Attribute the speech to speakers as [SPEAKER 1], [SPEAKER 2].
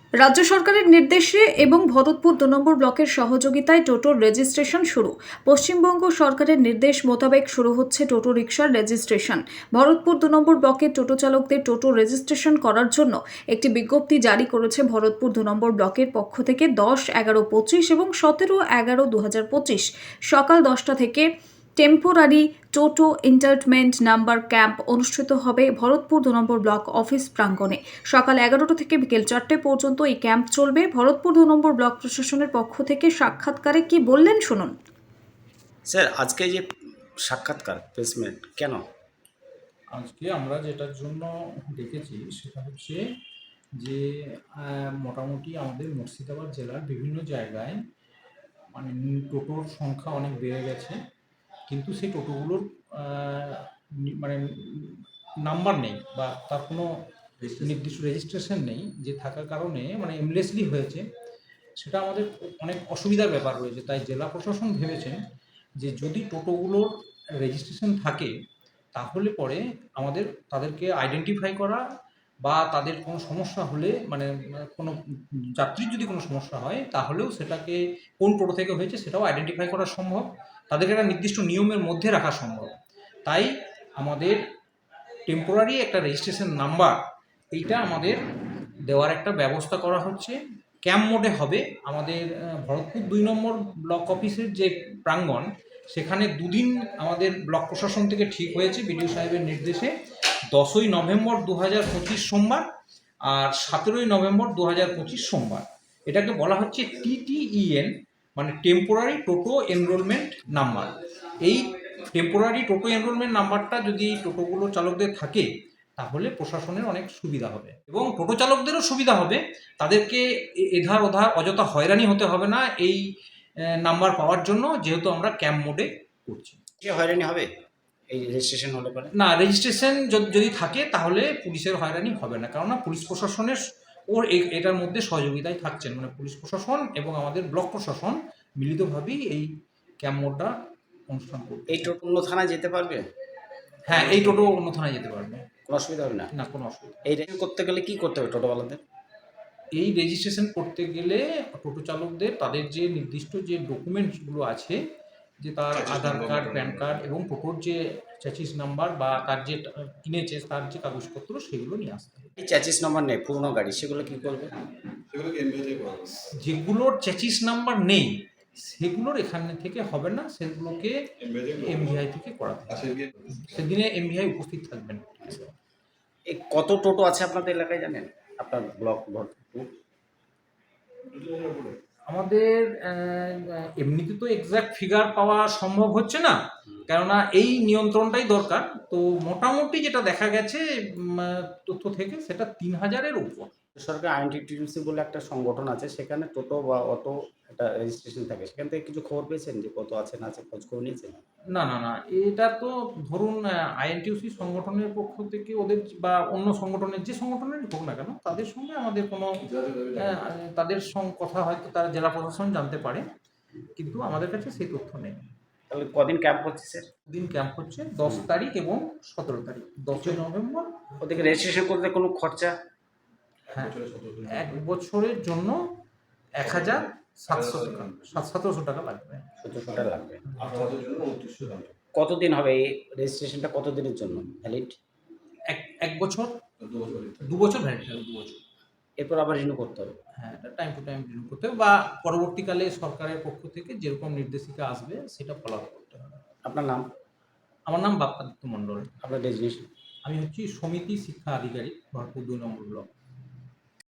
[SPEAKER 1] রাজ্য সরকারের নির্দেশে এবং ভরতপুর ২ নম্বর ব্লকের সহযোগিতায় টোটোর রেজিস্ট্রেশন শুরু। পশ্চিমবঙ্গ সরকারের নির্দেশ মোতাবেক শুরু হচ্ছে টোটো রিকশার রেজিস্ট্রেশন। ভরতপুর ২ নম্বর ব্লকের টোটো চালকদের টোটো রেজিস্ট্রেশন করার জন্য একটি বিজ্ঞপ্তি জারি করেছে ভরতপুর ২ নম্বর ব্লকের পক্ষ থেকে ১০-১১-২৫ এবং ১৭-১১-২০২৫ সকাল ১০টা থেকে temporary toto entertainment number camp অনুষ্ঠিত হবে ভরতপুর ২ নম্বর ব্লক অফিস প্রাঙ্গণে। সকাল ১১টা থেকে বিকেল ৪টে পর্যন্ত এই ক্যাম্প চলবে। ভরতপুর ২ নম্বর ব্লক প্রশাসনের পক্ষ থেকে সাক্ষাৎকারে কি বললেন শুনুন।
[SPEAKER 2] স্যার, আজকে যে সাক্ষাৎকার প্লেসমেন্ট কেন?
[SPEAKER 3] আজকে আমরা যেটার জন্য ডেকেছি সেটা হচ্ছে যে মোটামুটি আমাদের মুর্শিদাবাদ জেলার বিভিন্ন জায়গায় মানে টোটোর সংখ্যা অনেক বেড়ে গেছে, কিন্তু সেই টোটোগুলোর মানে নাম্বার নেই বা তার কোনো নির্দিষ্ট রেজিস্ট্রেশন নেই, যে থাকার কারণে মানে এমলেসলি হয়েছে। সেটা আমাদের অনেক অসুবিধার ব্যাপার রয়েছে। তাই জেলা প্রশাসন ভেবেছেন যে যদি টোটোগুলোর রেজিস্ট্রেশন থাকে তাহলে পরে আমাদের তাদেরকে আইডেন্টিফাই করা বা তাদের কোনো সমস্যা হলে মানে কোনো যাত্রীর যদি কোনো সমস্যা হয় তাহলেও সেটাকে কোন টোটো থেকে হয়েছে সেটাও আইডেন্টিফাই করা সম্ভব, তাদেরকে একটা নির্দিষ্ট নিয়মের মধ্যে রাখা সম্ভব। তাই আমাদের টেম্পোরারি একটা রেজিস্ট্রেশন নাম্বার এইটা আমাদের দেওয়ার একটা ব্যবস্থা করা হচ্ছে। ক্যাম্প মোডে হবে। আমাদের ভরতপুর ২ নম্বর ব্লক অফিসের যে প্রাঙ্গণ, সেখানে দুদিন আমাদের ব্লক প্রশাসন থেকে ঠিক হয়েছে বিডিও সাহেবের নির্দেশে। ১০ই নভেম্বর ২০২৫ সোমবার আর ১৭ই নভেম্বর ২০২৫ সোমবার। এটাকে বলা হচ্ছে TTEN, মানে টেম্পোরারি টোটো এনরোলমেন্ট নাম্বার। এই টেম্পোরারি টোটো এনরোলমেন্ট নাম্বারটা যদি টোটোগুলো চালকদের থাকে তাহলে প্রশাসনের অনেক সুবিধা হবে এবং টোটো চালকদেরও সুবিধা হবে। তাদেরকে এধার ওধার অযথা হয়রানি হতে হবে না এই নাম্বার পাওয়ার জন্য, যেহেতু আমরা ক্যাম্প মোডে করছি।
[SPEAKER 2] কে হয়রানি হবে এই রেজিস্ট্রেশন হলে পরে?
[SPEAKER 3] না, রেজিস্ট্রেশন যদি থাকে তাহলে পুলিশের হয়রানি হবে না, কেননা পুলিশ প্রশাসনের ওর এটার মধ্যে সহযোগিতায় থাকছেন, মানে পুলিশ প্রশাসন এবং আমাদের ব্লক প্রশাসন মিলিতভাবেই এই ক্যাম্প মোডটা অনুষ্ঠান করবে।
[SPEAKER 2] এই টোটো অন্য থানায় যেতে পারবে?
[SPEAKER 3] হ্যাঁ, এই টোটো অন্য থানায় যেতে পারবে,
[SPEAKER 2] কোনো অসুবিধা হবে না?
[SPEAKER 3] না কোনো অসুবিধা।
[SPEAKER 2] এই রেজিস্ট্রেশন করতে গেলে কি করতে হবে টোটোওয়ালাদের?
[SPEAKER 3] এই রেজিস্ট্রেশন করতে গেলে টোটো চালকদের তাদের যে নির্দিষ্ট যে ডকুমেন্টসগুলো আছে, যে তার আধার কার্ড, প্যান কার্ড এবং টোটোর যে চ্যাসিস নাম্বার বা তার যে কিনেছে তার যে কাগজপত্র, সেগুলো নিয়ে আসতে হবে।
[SPEAKER 2] এই চ্যাসিস নম্বর নেই পুরনো গাড়ি, সেগুলো কি করবে?
[SPEAKER 3] যেগুলোর চ্যাসিস নাম্বার নেই সেগুলোর এখানে থেকে হবে না, সেগুলোকে এমভিআই থেকে করাতে হবে। সেদিনে এমভিআই উপস্থিত থাকবেন।
[SPEAKER 2] এই কত টোটো আছে আপনাদের এলাকায় জানেন? আপনার ব্লক ভরতপুর?
[SPEAKER 3] আমাদের এমনিতে তো এক্সাক্ট ফিগার পাওয়া সম্ভব হচ্ছে না, কেননা এই নিয়ন্ত্রণটাই দরকার। তো মোটামুটি যেটা দেখা গেছে তথ্য থেকে, সেটা ৩,০০০-এর উপর।
[SPEAKER 2] সরকার আইএনটিটিউসি বলে একটা সংগঠন আছে, সেখানে টোটো বা অটো একটা রেজিস্ট্রেশন থাকে, সেখান থেকে কিছু খবর পেয়েছেন যে কত আছে না আছে, খোঁজ খবর নিয়েছেন?
[SPEAKER 3] না না না, এটা তো ধরুন আইএনটিউসি সংগঠনের পক্ষ থেকে ওদের বা অন্য সংগঠনের যে সংগঠনেরই হোক না কেন, তাদের সঙ্গে আমাদের কোনো তাদের সঙ্গে কথা হয়তো তারা জেলা প্রশাসন জানতে পারে, কিন্তু আমাদের কাছে সেই তথ্য নেই।
[SPEAKER 2] তাহলে কদিন ক্যাম্প হচ্ছে স্যার?
[SPEAKER 3] দিন ক্যাম্প হচ্ছে ১০ তারিখ এবং ১৭ তারিখ। ১০ই নভেম্বর।
[SPEAKER 2] ওদেরকে রেজিস্ট্রেশন করতে কোনো খরচা?
[SPEAKER 3] হ্যাঁ, ১ বছরের জন্য ১,৭০০ টাকা, ১৭০০ টাকা লাগবে।
[SPEAKER 2] ১৭০০ টাকা লাগবে। কতদিন হবে এই রেজিস্ট্রেশনটা, কতদিনের জন্য ভ্যালিড?
[SPEAKER 3] এক বছর, ২ বছর ভ্যালিড হবে, ২ বছর।
[SPEAKER 2] এরপর আবার রিনিউ করতে হবে?
[SPEAKER 3] হ্যাঁ, এটা টাইম টু টাইম রিনিউ করতে হবে বা পরবর্তীকালে সরকারের পক্ষ থেকে যেরকম নির্দেশিকা আসবে সেটা ফলো করতে হবে।
[SPEAKER 2] আপনার নাম?
[SPEAKER 3] আমার নাম বাপ্পাদিত্য মণ্ডল।
[SPEAKER 2] আপনার ডেজিগনেশন?
[SPEAKER 3] আমি হচ্ছি সমিতি শিক্ষা আধিকারিক, ভরতপুর ২ নম্বর ব্লক।